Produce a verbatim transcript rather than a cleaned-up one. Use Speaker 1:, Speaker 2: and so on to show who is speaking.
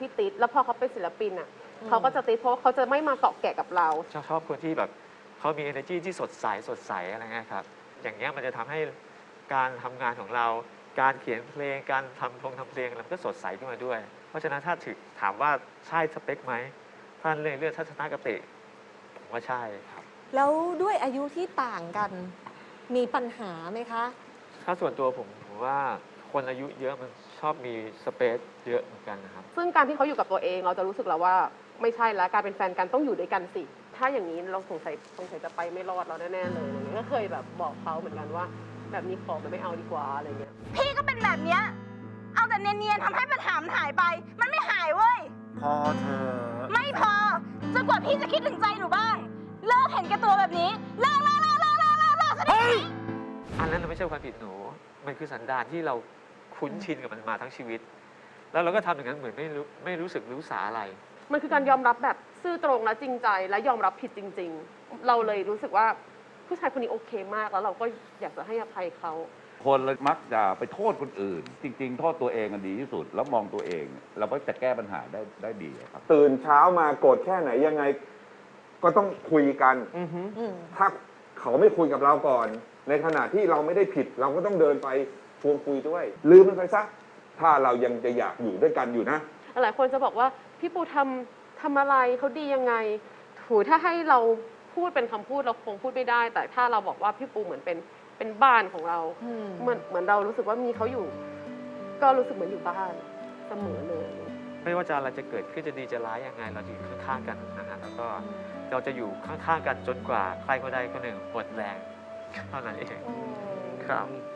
Speaker 1: ที่ติดแล้วพอเขาเป็นศิลปินอ่ะเขาก็จะติดเพราะเขาจะไม่มาเกาะแกะกับเรา
Speaker 2: ชอบชอบคนที่แบบเขามี energy ที่สดใสสดใสอะไรเงี้ยครับอย่างเงี้ยมันจะทำให้การทำงานของเราการเขียนเพลงการทำพงทำเพลงมันก็สดใสขึ้นมาด้วยเพราะฉะนั้นถ้าถึงถามว่าใช่สเปคไหมท่านเรื่องเรื่องทัศนคติผมว่าใช่ครับ
Speaker 3: แล้วด้วยอายุที่ต่างกันมีปัญหาไหมคะ
Speaker 2: ถ้าส่วนตัวผมผมว่าคนอายุเยอะมันชอบมีสเปซเยอะเหมือนกันนะครับ
Speaker 1: ซึ่งการที่เขาอยู่กับตัวเองเราจะรู้สึกแล้วว่าไม่ใช่แล้วการเป็นแฟนกันต้องอยู่ด้วยกันสิถ้าอย่างนี้เราสงสัยสงสัยจะไปไม่รอดเราแน่ๆเลยอะไรเงี้ยก็เคยแบบบอกเขาเหมือนกันว่าแบบนี้ขอมันไม่เอาดีกว่าอะไรเงี้ย
Speaker 4: พี่ก็เป็นแบบเนี้ยเอาแต่เนียนๆทำให้ปัญหามันหายไป มันไม่หายเว้ย
Speaker 5: พอเธอ
Speaker 4: ไม่พอจนกว่าพี่จะคิดถึงใจหนูบ้างเลิกเห็นแก่ตัวแบบนี้เลิกเลิกเลิกเลิกเลิกเลิกเลิกสักที
Speaker 2: อันนั้นไม่ใช่ความผิดหนูมันคือสันดานที่เราคุ้นชินกับมันมาทั้งชีวิตแล้วเราก็ทำอย่างนั้นเหมือนไม่รู้ไม่รู้สึกรู้สาอะไร
Speaker 1: มันคือการยอมรับแบบซื่อตรงและจริงใจและยอมรับผิดจริงๆเราเลยรู้สึกว่าผู้ชายคนนี้โอเคมากแล้วเราก็อยากจะให้อภัยเขา
Speaker 5: คนเรามักจะไปโทษคนอื่น จริงๆ โทษตัวเองดีที่สุดแล้วมองตัวเองเราก็จะแก้ปัญหาได้ได้ดีครับ
Speaker 6: ตื่นเช้ามาโกรธแค่ไหนยังไงก็ต้องคุยกันถ้าเขาไม่คุยกับเราก่อนในขณะที่เราไม่ได้ผิดเราก็ต้องเดินไปชวนคุยด้วยลืมมันไปซะถ้าเรายังจะอยากอยู่ด้วยกันอยู่นะ
Speaker 1: หลายคนจะบอกว่าพี่ปูทำทำอะไรเขาดียังไงถูถ้าให้เราพูดเป็นคำพูดเราคงพูดไม่ได้แต่ถ้าเราบอกว่าพี่ปูเหมือนเป็นเป็นบ้านของเราเหมือนเหมือนเรารู้สึกว่ามีเขาอยู่ก็รู้สึกเหมือนอยู่บ้านเสมอเลย
Speaker 2: ไม่ว่าจะอะไรจะเกิดขึ้นจะดีจะร้ายยังไงเราจะอยู่ข้างๆกันนะฮะแล้วก็เราจะอยู่ข้างๆกันจนกว่าใครก็ได้คนหนึ่งหมดแรงเท่านั้นเองครับ